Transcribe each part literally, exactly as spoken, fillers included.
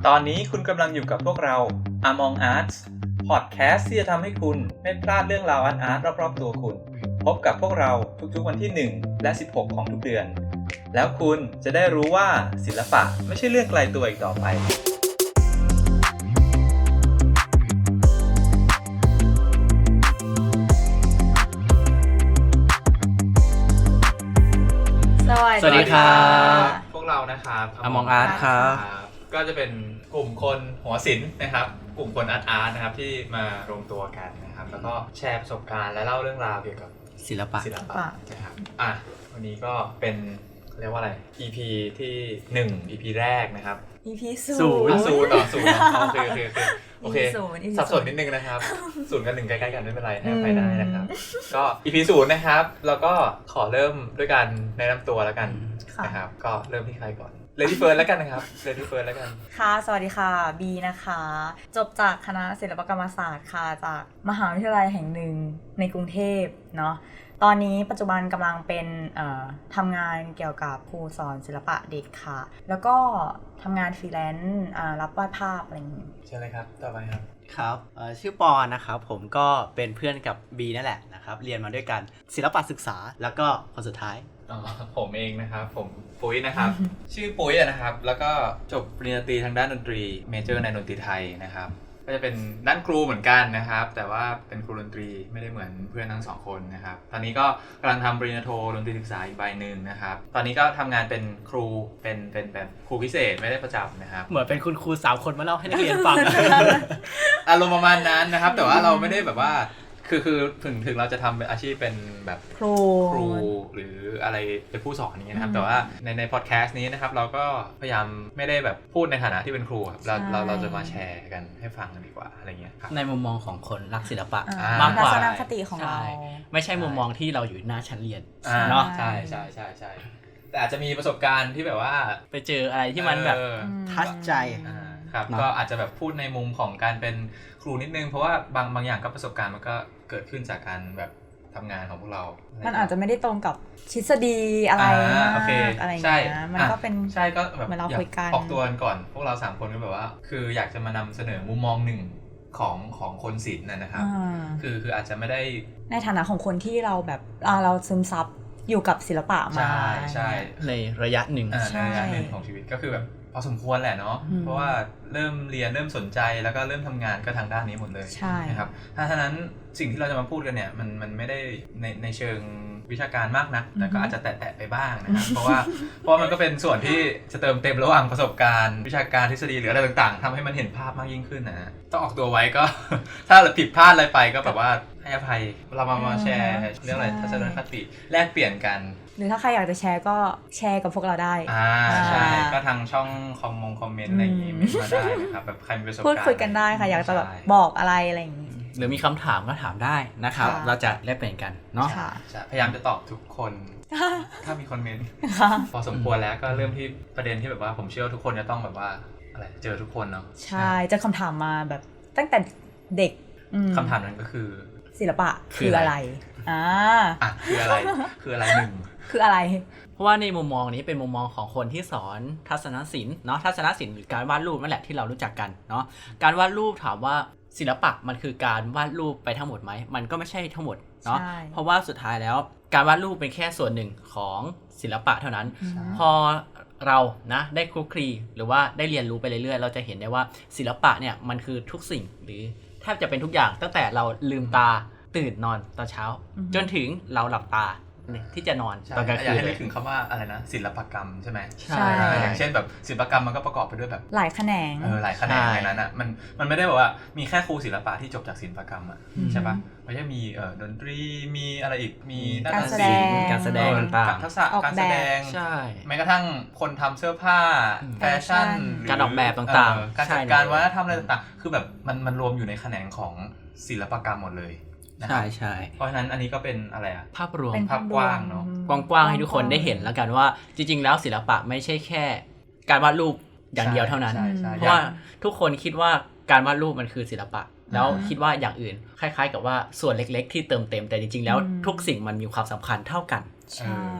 ตอนนี้คุณกำลังอยู่กับพวกเรา Among Arts Podcast ที่จะทำให้คุณไม่พลาดเรื่องราวอาร์ตๆรอบๆตัวคุณพบกับพวกเราทุกๆวันที่หนึ่งและสิบหกของทุกเดือนแล้วคุณจะได้รู้ว่าศิลปะไม่ใช่เรื่องไกลตัวอีกต่อไปสวัสดีครับพวกเรานะครับ Among Arts ครับก็จะเป็นกลุ่มคนหัวศิลป์นะครับกลุ่มคนอาร์ตอาร์ตนะครับที่มารวมตัวกันนะครับแล้วก็แชร์ประสบการณ์และเล่าเรื่องราวเกี่ยวกับศิลปะศิลปะนะครับอ่ะวันนี้ก็เป็นเรียกว่าอะไร อี พี ที่หนึ่ง อี พี แรกนะครับอี พี ศูนนย์ย์ศูนย์ต่อศูนย์โอเคโอเคโอเคโอเคอี พีสับสนนิดนึงนะครับศูนย์กับหนึ่งใกล้ๆกันไม่เป็นไรให้อภัยได้นะครับก็ อี พี ศูนย์นะครับแล้วก็ขอเริ่มด้วยการแนะนำตัวแล้วกันนะครับก็เริ่มที่ใครก่อนเลดี้เฟิร์สแล้วกันนะครับเลดี้เฟิร์สแล้วกันค่ะสวัสดีค่ะบีนะคะจบจากคณะศิลปกรรมศาสตร์ค่ะจากมหาวิทยาลัยแห่งหนึ่งในกรุงเทพเนาะตอนนี้ปัจจุบันกำลังเป็นทำงานเกี่ยวกับครูสอนศิลปะเด็กค่ะแล้วก็ทำงานฟรีแลนซ์รับวาดภาพอะไรอย่างนี้ใช่เลยครับต่อไปครับครับชื่อปอนนะครับผมก็เป็นเพื่อนกับบีนั่นแหละนะครับเรียนมาด้วยกันศิลปะศึกษาแล้วก็คนสุดท้ายอ๋อผมเองนะครับผมปุ้ยนะครับ ชื่อปุ้ยนะครับแล้วก็จบปริญญาตรีทางด้านดนตรีเมเจอร์ในดนตรีไทยนะครับก็จะเป็นด้านครูเหมือนกันนะครับแต่ว่าเป็นครูดนตรีไม่ได้เหมือนเพื่อนทั้งสองคนนะครับตอนนี้ก็กำลังทำปริญญาโทดนตรีศึกษาอีกใบหนึ่งนะครับตอนนี้ก็ทำงานเป็นครูเป็นเป็นแบบครูพิเศษไม่ได้ประจำนะครับเหมือนเป็นคุณครูสามคนมาเล่าให้นักเรียนฟังอารมณ์ประมาณนั้นนะครับแต่ว่าเราไม่ได้แบบว่าคือคือถึงถึงเราจะทำเป็นอาชีพเป็นแบบครูครูหรืออะไรเป็นผู้สอนอย่างเงี้ยนะครับแต่ว่าในในพอดแคสต์นี้นะครับเราก็พยายามไม่ได้แบบพูดในฐานะที่เป็นครูครับเราเราเราจะมาแชร์กันให้ฟังกันดีกว่าอะไรเงี้ยในมุมมองของคนรักศิลปะมากกว่าทัศนคติของเราไม่ใช่มุมมองที่เราอยู่หน้าชั้นเรียนเนาะใช่ใช่ใช่ใช่แต่อาจจะมีประสบการณ์ที่แบบว่าไปเจออะไรที่มันแบบทัชใจครับก็อาจจะแบบพูดในมุมของการเป็นครูนิดนึงเพราะว่าบางบางอย่างก็ประสบการณ์มันก็เกิดขึ้นจากการแบบทำงานของพวกเรามันอาจจะไม่ได้ตรงกับทฤษฎีอะไรอะไรอย่างเงี้ยมันก็เป็นใช่ก็แบบเราคุยกันออกตัวกันก่อนพวกเราสามคนก็แบบว่าคืออยากจะมานำเสนอมุมมองหนึ่งของของคนศิลป์นะครับคือคืออาจจะไม่ได้ในฐานะของคนที่เราแบบเราซึมซับอยู่กับศิลปะมาใช่ใช่ในระยะหนึ่งในระยะหนึ่งของชีวิตก็คือแบบพอสมควรแหละเนาะเพราะว่าเริ่มเรียนเริ่มสนใจแล้วก็เริ่มทำงานก็ทางด้านนี้หมดเลยนะครับถ้าฉะนั้นสิ่งที่เราจะมาพูดกันเนี่ยมันมันไม่ได้ในในเชิงวิชาการมากนักแต่ก็อาจจะแตะๆไปบ้างนะครับเพราะว่าเพราะมันก็เป็นส่วนที่จะเติมเต็มระหว่างประสบการณ์วิชาการทฤษฎีหรืออะไรต่างๆทำให้มันเห็นภาพมากยิ่งขึ้นนะต้องออกตัวไว้ก็ถ้าผิดพลาดอะไรไปก็แบบว่าให้อภัยเรามามาแชร์เรื่องอะไรทัศนคติแลกเปลี่ยนกันหรือถ้าใครอยากจะแชร์ก็แชร์กับพวกเราได้อ่าใช่ก็ทางช่องคอมมงคอมเมนต์อะไรอย่างงี้มาได้นะครับแบบใครมีประสบการณ์พูดคุยกันได้ค่ะอยากจะแบบบอกอะไรอะไรอย่างงี้หรือมีคำถามก็ถามได้นะครับเราจะแลกเปลี่ยนกันเนาะพยายามจะตอบทุกคนถ้ามีคอมเมนต์พอสมควรแล้วก็เริ่มที่ประเด็นที่แบบว่าผมเชื่อว่าทุกคนจะต้องแบบว่าอะไรเจอทุกคนเนาะใช่จะคำถามมาแบบตั้งแต่เด็กคำถามนั้นก็คือศิลปะคืออะไรอ่าอ่ะคืออะไรคืออะไรหนึ่งคืออะไรเพราะว่าในมุมมองนี้เป็นมุมมองของคนที่สอนทัศนศิลป์เนาะทัศนศิลป์หรือการวาดรูปนั่นแหละที่เรารู้จักกันเนาะการวาดรูปถามว่าศิลปะมันคือการวาดรูปไปทั้งหมดไหมมันก็ไม่ใช่ทั้งหมดเนาะเพราะว่าสุดท้ายแล้วการวาดรูปเป็นแค่ส่วนหนึ่งของศิลปะเท่านั้นพอเรานะได้คลุกคลีหรือว่าได้เรียนรู้ไปเรื่อยๆเราจะเห็นได้ว่าศิลปะเนี่ยมันคือทุกสิ่งหรือแทบจะเป็นทุกอย่างตั้งแต่เราลืมตาตื่นนอนตอนเช้าจนถึงเราหลับตาที่จะนอนตอนกลางคืนอยากให้นึกถึงคำว่าอะไรนะศิลปกรรมใช่ไหมใช่อย่างเช่นแบบศิลปกรรมมันก็ประกอบไปด้วยแบบหลายแขนงเออหลายแขนงในนั้นอ่ะมันมันไม่ได้แบบว่ามีแค่ครูศิลปะที่จบจากศิลปกรรมอ่ะใช่ปะมันจะมีเอ่อดนตรีมีอะไรอีกมีการแสดงการแสดงต่างๆทักษะการแสดงใช่แม้กระทั่งคนทำเสื้อผ้าแฟชั่นการออกแบบต่างๆการจัดการวัฒนธรรมอะไรต่างๆคือแบบมันมันรวมอยู่ในแขนงของศิลปกรรมหมดเลยใช่ใช่เพราะฉะนั้นอันนี้ก็เป็นอะไรอะภาพรวมภาพกว้างเนาะกว้างๆให้ทุกคนได้เห็นแล้วกันว่าจริงๆแล้วศิลปะไม่ใช่แค่การวาดรูปอย่างเดียวเท่านั้นเพราะว่าทุกคนคิดว่าการวาดรูปมันคือศิลปะแล้วคิดว่าอย่างอื่นคล้ายๆกับว่าส่วนเล็กๆที่เติมเต็มแต่จริงๆแล้วทุกสิ่งมันมีความสำคัญเท่ากันใช่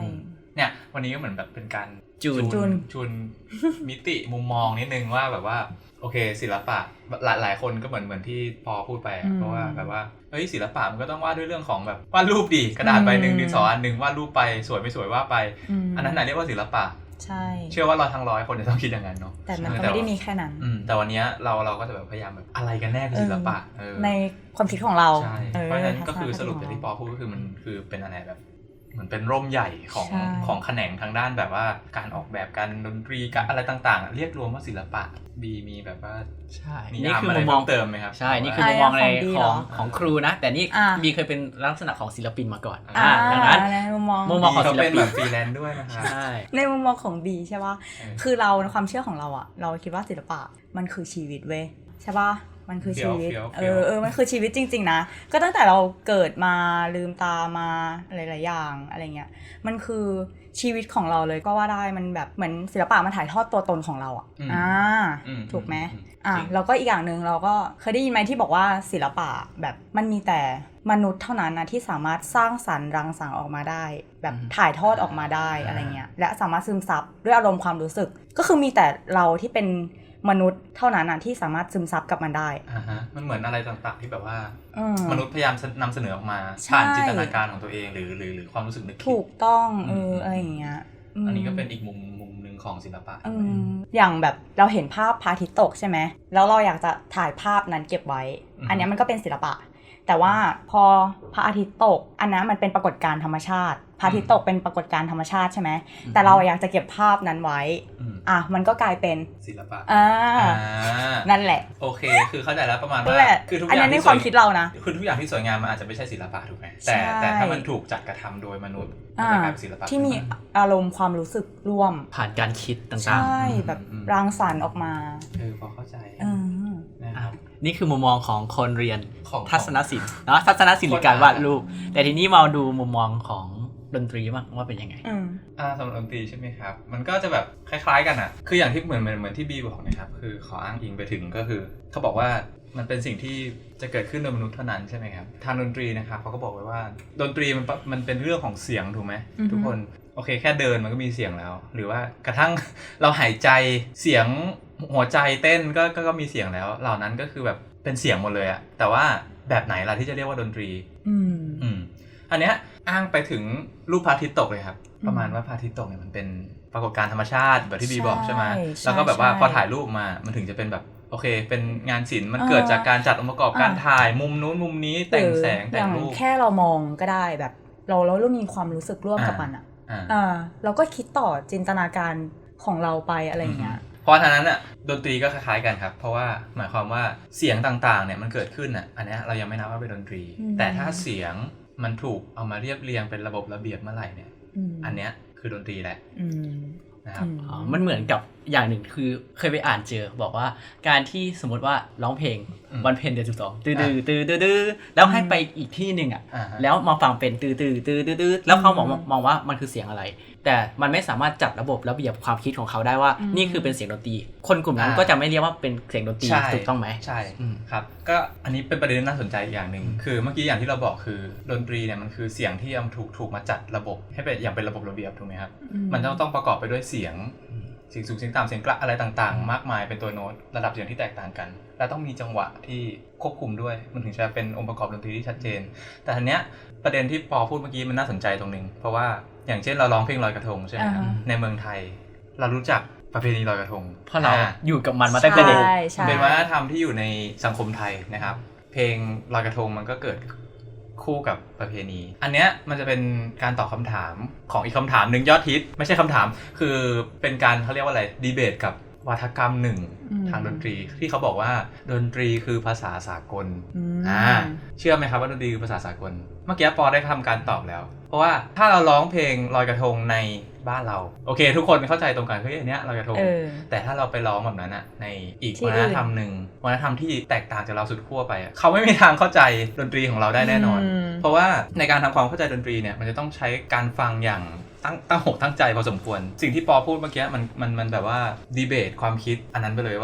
เนี่ยวันนี้ก็เหมือนแบบเป็นการจูนจูนจูนมิติมุมมองนิดนึงว่าแบบว่าโอเคศิลปะหลายหลายคนก็เหมือนเหมือนที่พอพูดไปเพราะว่าแบบว่าเฮ้ยศิลปะมันก็ต้องวาดด้วยเรื่องของแบบวาดรูปดิกระดาษใบหนึ่งดินสออันหนึ่งวาดรูปไปสวยไม่สวยว่าไปอันนั้นไหนเรียกว่าศิลปะใช่เชื่อว่าเราทั้งร้อยคนจะต้องคิดอย่างนั้นเนาะแต่มันก็ไม่ได้มีแค่นั้นแต่วันนี้เราเราก็จะแบบพยายามแบบอะไรกันแน่คือศิลปะในความคิดของเราใช่เพราะฉะนั้นก็คือสรุปจากที่ปอพูดก็คือมันคือเป็นอะไรแบบเหมือนเป็นร่มใหญ่ของของแขนงทางด้านแบบว่าการออกแบบการดนตรีการอะไรต่างๆเรียกรวมว่าศิลปะบีมีแบบว่าใช่นี่คือมุมมองเติมไหมครับใช่นี่คือมุมมองในของของครูนะแต่นี่บีเคยเป็นลักษณะของศิลปินมาก่อนดังนั้นในมุมมองมุมมองของศิลปินแบบฟรีแลนซ์ด้วยนะคะใช่ในมุมมองของบีใช่ป่ะคือเราในความเชื่อของเราอ่ะเราคิดว่าศิลปะมันคือชีวิตเว้ยใช่ป่ะมันคือชีวิตเออเออมันคือชีวิตจริงๆนะก็ตั้งแต่เราเกิดมาลืมตามาหลายๆอย่างอะไรเงี้ยมันคือชีวิตของเราเลยก็ว่าได้มันแบบเหมือนศิลปะมันถ่ายทอดตัวตนของเราอ่ะอ่าถูกไหมอ่ะแล้วก็อีกอย่างนึงเราก็เคยได้ยินไหมที่บอกว่าศิลปะแบบมันมีแต่มนุษย์เท่านั้นนะที่สามารถสร้างสรรค์รังสรรค์ออกมาได้แบบถ่ายทอดออกมาได้อะไรเงี้ยและสามารถซึมซับด้วยอารมณ์ความรู้สึกก็คือมีแต่เราที่เป็นมนุษย์เท่านั้นนะที่สามารถซึมซับกับมันได้อ่าฮะมันเหมือนอะไรต่างๆที่แบบว่ามนุษย์พยายามนำเสนอออกมาผ่านจินตนาการของตัวเองหรือหรือหรือความรู้สึกนึกคิดถูกต้องเอออะไรอย่างเงี้ยอันนี้ก็เป็นอีกมุมมุมนึงของศิลปะอย่างแบบเราเห็นภาพพระอาทิตย์ตกใช่ไหมแล้วเราอยากจะถ่ายภาพนั้นเก็บไว้อันนี้มันก็เป็นศิลปะแต่ว่าพอพระอาทิตย์ตกอันนั้นมันเป็นปรากฏการณ์ธรรมชาติพระอาทิตย์ตกเป็นปรากฏการณ์ธรรมชาติใช่ไหมแต่เราอยากจะเก็บภาพนั้นไว้อ่ะมันก็กลายเป็นศิลปะอ่านั่นแหละโอเคคือเข้าใจแล้วประมาณว่าคือทุกอย่างอันนี้ในความคิดเรานะคือทุกอย่างที่สวยงามมันอาจจะไม่ใช่ศิลปะถูกไหมแต่แต่ถ้ามันถูกจัดกระทำโดยมนุษย์มันจะกลายเป็นศิลปะที่มีอารมณ์ความรู้สึกร่วมผ่านการคิดต่างๆใช่แบบรังสรรค์ออกมาเออพอเข้าใจนะครับนี่คือมุมมองของคนเรียนทัศนศิลป์เนาะทัศนศิลป์หรือการวาดรูปแต่ทีนี้มาดูมุมมองของดนตรีบ้างว่าเป็นยังไงอ่าสำหรับดนตรีใช่ไหมครับมันก็จะแบบคล้ายๆกันอ่ะคืออย่างที่เหมือนเหมือนเหมือนที่บีบอกนะครับคือขออ้างอิงไปถึงก็คือเขาบอกว่ามันเป็นสิ่งที่จะเกิดขึ้นโดยมนุษย์เท่านั้นใช่ไหมครับทางดนตรีนะครับเขาก็บอกไว้ว่าดนตรีมันมันเป็นเรื่องของเสียงถูกไหมทุกคนโอเคแค่เดินมันก็มีเสียงแล้วหรือว่ากระทั่งเราหายใจเสียงหัวใจเต้นก็ก็มีเสียงแล้วเหล่านั้นก็คือแบบเป็นเสียงหมดเลยอะแต่ว่าแบบไหนล่ะที่จะเรียกว่าดนตรีอืมอืมอันเนี้ยอ้างไปถึงรูปพระอาทิตย์ตกเลยครับประมาณว่าพระอาทิตย์ตกเนี่ยมันเป็นปรากฏการณ์ธรรมชาติแบบที่บีบอกใช่ไหมแล้วก็แบบว่าพอถ่ายรูปมามันถึงจะเป็นแบบโอเคเป็นงานศิลป์มันเกิดจากการจัดองค์ประกอบการถ่ายมุมนู้นมุมนี้แต่งแสงแต่งรูปแค่เรามองก็ได้แบบเราเราเริ่มมีความรู้สึกร่วมกับมันอ่ะอ่าเราก็คิดต่อจินตนาการของเราไปอะไรอย่างเงี้ยเพราะฉะนั้นอ่ะดนตรีก็คล้ายๆกันครับเพราะว่าหมายความว่าเสียงต่างๆเนี่ยมันเกิดขึ้นอ่ะอันนี้เรายังไม่นับว่าเป็นดนตรีแต่ถ้าเสียงมันถูกเอามาเรียบเรียงเป็นระบบระเบียบเมื่อไหร่เนี่ยอันเนี้ยคือดนตรีแหละนะครับอ๋อมันเหมือนกับอย่างหนึ่งคือเคยไปอ่านเจอบอกว่าการที่สมมติว่าร้องเพลงวันเพ็ญเดือนสิบสองตื้อตื้อตื้อตื้อแล้วให้ไปอีกที่หนึ่งอ่ะแล้วมาฟังเป็นตื้อตื้อตื้อตื้อแล้วเขามองมองว่ามันคือเสียงอะไรแต่มันไม่สามารถจัดระบบระเบียบความคิดของเขาได้ว่านี่คือเป็นเสียงดนตรีคนกลุ่มนั้นก็จะไม่เรียกว่าเป็นเสียงดนตรีถูกต้องไหมใช่ครับก็อันนี้เป็นประเด็นน่าสนใจอย่างหนึ่งคือเมื่อกี้อย่างที่เราบอกคือดนตรีเนี่ยมันคือเสียงที่มันถูกถูกมาจัดระบบให้เป็นอย่างเป็นระบบระเบียบถูกไหมครับมันต้องต้องประกอบไปด้วยเสียงเสียงสูงเสียงต่ำเสียงกระอะไรต่างๆมากมายเป็นตัวโน้ตระดับเสียงที่แตกต่างกันและต้องมีจังหวะที่ควบคุมด้วยมันถึงจะเป็นองค์ประกอบดนตรีที่ชัดเจนแต่ทีเนี้ยประเด็นที่ปอพูดเมื่อกี้มันน่าสนใจตรงนึงเพราะว่าอย่างเช่นเราร้องเพลงลอยกระทงใช่ไหมครับในเมืองไทยเรารู้จักประเพณีลอยกระทงเพราะเราอยู่กับมันมาตั้งแต่เด็กเป็นวัฒนธรรมที่อยู่ในสังคมไทยนะครับเพลงลอยกระทงมันก็เกิดคู่กับประเพณีอันเนี้ยมันจะเป็นการตอบคำถามของอีกคำถามหนึ่งยอดฮิตไม่ใช่คำถามคือเป็นการเขาเรียกว่าอะไรดีเบตกับวาทกรรมหนึ่งทางดนตรีที่เขาบอกว่าดนตรีคือภาษาสากลอ่าเชื่อไหมครับว่าดนตรีคือภาษาสากลเมื่อกี้ปอได้ทำการตอบแล้วเพราะว่าถ้าเราร้องเพลงลอยกระทงในบ้านเราโอเคทุกคนเข้าใจตรงกันเฮ้ยอันเนี้ยลอยกระทงแต่ถ้าเราไปร้องแบบนั้นอะในอีกวัฒนธรรมหนึ่งวัฒนธรรมที่แตกต่างจากเราสุดขั้วไปเขาไม่มีทางเข้าใจดนตรีของเราได้แน่นอนเพราะว่าในการทำความเข้าใจดนตรีเนี่ยมันจะต้องใช้การฟังอย่างตั้งตั้งหกตั้งใจพอสมควรสิ่งที่ปอพูดเมื่อกี้มันมันมันแบบว่าดีเบตความคิดอันนั้นไปเลยว่า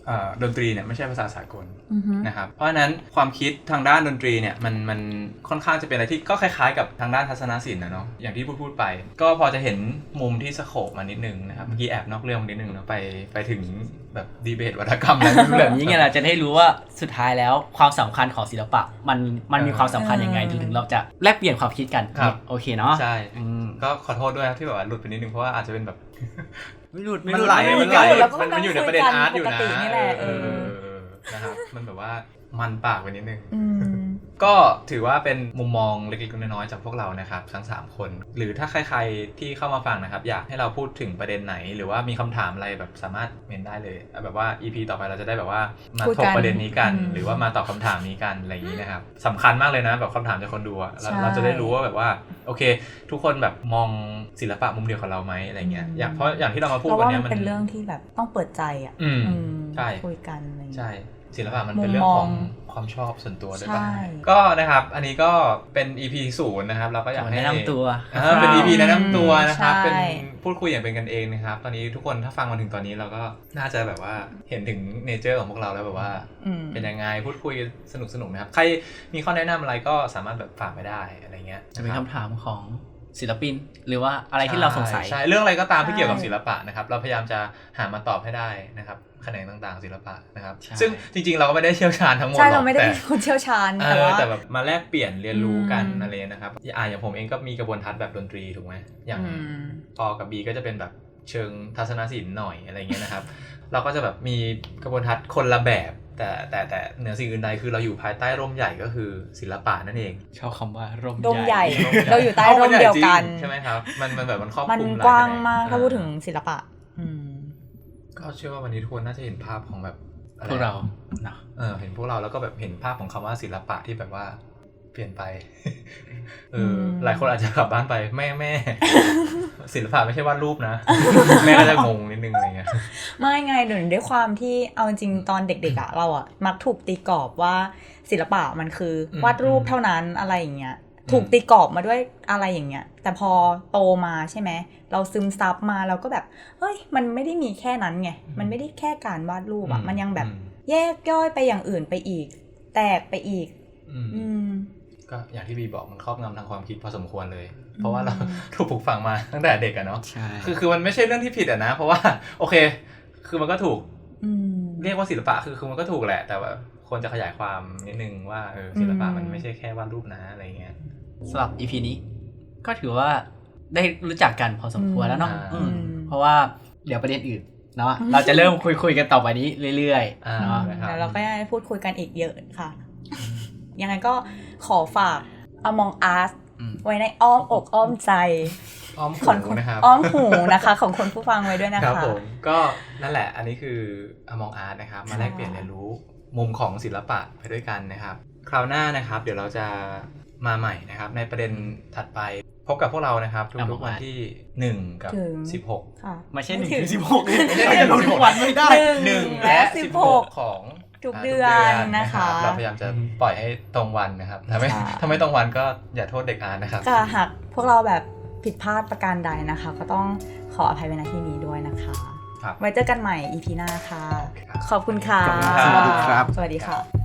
ดนตรีเนี่ยไม่ใช่ภาษาสากลนะครับเพราะฉะนั้นความคิดทางด้านดนตรีเนี่ยมันมันค่อนข้างจะเป็นอะไรที่ก็คล้ายๆกับทางด้านทัศนศิลป์นะเนาะอย่างที่พูดพูดไปก็พอจะเห็นมุมที่สโคปมานิดนึงนะครับเมื่อกี้แอบนอกเรื่องมานิดนึงเนาะไปไปถึงแบบดีเบตวัฒกรรมอะไรแบบนี้ไงเราจะได้รู้ว่าสุดท้ายแล้วความสำคัญของศิลปะมันมันมีความสำคัญยังไงถึงเราจะแลกเปลี่ยนความคิดกันโอเคเนาะใช่ก็ขอโทษด้วยที่แบบว่าหลุดไปนิดนึงเพราะว่าอาจจะเป็นแบบไม่หลุดมันไหลมันไหลมันอยู่ในประเด็นอาร์ตอยู่นะเออนะครับมันแบบว่ามันปากไปนิดนึงก็ถือว่าเป็นมุมมองเล็กๆน้อยๆจากพวกเรานะครับทั้งสามคนหรือถ้าใครๆที่เข้ามาฟังนะครับอยากให้เราพูดถึงประเด็นไหนหรือว่ามีคำถามอะไรแบบสามารถเมนได้เลยแบบว่า อี พี ต่อไปเราจะได้แบบว่ามาถกประเด็นนี้กันหรือว่ามาตอบคำถามนี้กันอะไรอย่างนี้นะครับสำคัญมากเลยนะแบบคำถามจากคนดูอะเราจะได้รู้ว่าแบบว่าโอเคทุกคนแบบมองศิลปะมุมเดียวกับเราไหมอะไรเงี้ยอย่างเพราะอย่างที่เรามาพูดวันนี้มันเป็นเรื่องที่แบบต้องเปิดใจอ่ะใช่คุยกันอะไรใช่ศิลปะมันเป็นเรื่องของความชอบส่วนตัวด้วยป่ะก็นะครับอันนี้ก็เป็น อี พี ศูนย์นะครับเราก็อยากให้แนะนำตัวเป็น อี พี แนะนำตัวนะครับเป็นพูดคุยอย่างเป็นกันเองนะครับตอนนี้ทุกคนถ้าฟังมาถึงตอนนี้เราก็น่าจะแบบว่าเห็นถึงเนเจอร์ของพวกเราแล้วแบบว่าเป็นยังไงพูดคุยสนุกสนุกนะครับใครมีข้อแนะนำอะไรก็สามารถแบบฝากไปได้อะไรเงี้ยจะเป็นคำถามของศิลปินหรือว่าอะไรที่เราสงสัยใช่เรื่องอะไรก็ตามที่เกี่ยวกับศิลปะนะครับเราพยายามจะหามาตอบให้ได้นะครับแขนงต่างๆศิลปะนะครับซึ่งจริงๆเราก็ไม่ได้เชี่ยวชาญทั้งหมดหรอกใช่เราไม่ได้เป็นคนเชี่ยวชาญแต่ว่าแต่แบบมาแลกเปลี่ยนเรียนรู้กันอะไรนะครับอ่าอย่างผมเองก็มีกระบวนทัศน์แบบดนตรีถูกไหมอย่างปอกับบีก็จะเป็นแบบเชิงทัศนศิลป์หน่อยอะไรเงี้ยนะครับเราก็จะแบบมีกระบวนทัศน์คนละแบบแต่แต่แต่เหนือสิ่งอื่นใดคือเราอยู่ภายใต้ร่มใหญ่ก็คือศิลปะนั่นเองชอบคำว่าร่มใหญ่เราอยู่ใต้ร่มเดียวกันใช่ไหมครับมันมันแบบมันครอบคลุมมันกว้างมากถ้าพูดถึงศิลปะก็เชื่อว่าวันนี้ทุกคนน่าจะเห็นภาพของแบบพวกเราเนาะเออเห็นพวกเราแล้วก็แบบเห็นภาพของคำว่าศิลปะที่แบบว่าเปลี่ยนไปเออหลายคนอาจจะกลับบ้านไปแม่แม่ศิลปะไม่ใช่วาดรูปนะแม่ก็จะงงนิดนึงอะไรเงี้ยไม่ไงเดี๋ยวด้วยความที่เอาจริงตอนเด็กๆอ่ะเราอ่ะมักถูกตีกรอบว่าศิลปะมันคือวาดรูปเท่านั้นอะไรอย่างเงี้ยถูกตีกรอบมาด้วยอะไรอย่างเงี้ยแต่พอโตมาใช่ไหมเราซึมซับมาเราก็แบบเฮ้ยมันไม่ได้มีแค่นั้นไงมันไม่ได้แค่การวาดรูปอ่ะมันยังแบบแยกย่อยไปอย่างอื่นไปอีกแตกไปอีกอืมก็อย่างที่บีบอกมันครอบงำทางความคิดพอสมควรเลยเพราะว่าเราถูกปลูกฝังมาตั้งแต่เด็กอะเนาะคือคือมันไม่ใช่เรื่องที่ผิดอะนะเพราะว่าโอเคคือมันก็ถูกเรียกว่าศิลปะคือคือมันก็ถูกแหละแต่ว่าควรจะขยายความนิดนึงว่าเออศิลปะมันไม่ใช่แค่วาดรูปนะอะไรเงี้ยสำหรับ อี พี นี้ก็ถือว่าได้รู้จักกันพอสมควรแล้วเนาะเพราะว่าเดี๋ยวประเด็นอื่นเนาะเราจะเริ่มคุยคุยกันต่อไปนี้เรื่อยๆเนาะแล้วเราก็ยังพูดคุยกันอีกเยอะค่ะยังไงก็ขอฝาก Among Us ไว้ในอ้อมอกอ้อมใจอ้อมหูนะครับอ้อมหูนะคะของคนผู้ฟังไว้ด้วยนะคะครับผมก็นั่นแหละอันนี้คือ Among Us นะครับมาแลกเปลี่ยนเรียนรู้มุมของศิลปะไปด้วยกันนะครับคราวหน้านะครับเดี๋ยวเราจะมาใหม่นะครับในประเด็นถัดไปพบกับพวกเรานะครับทุกๆวันที่หนึ่งกับสิบหกค่ะไม่ใช่หนึ่งถึงสิบหกไม่ใช่ทุกวันไม่ได้หนึ่งและสิบหกของทุกเดือนนะคะเราพยายามจะปล่อยให้ตรงวันนะครับถ้าไม่ถ้าไม่ตรงวันก็อย่าโทษเด็กอ่านนะครับก็หากพวกเราแบบผิดพลาดประการใดนะคะก็ต้องขออภัยไว้ณที่นี้ด้วยนะคะไว้เจอกันใหม่ อี พี หน้าค่ะขอบคุณค่ะสวัสดีครับสวัสดีค่ะ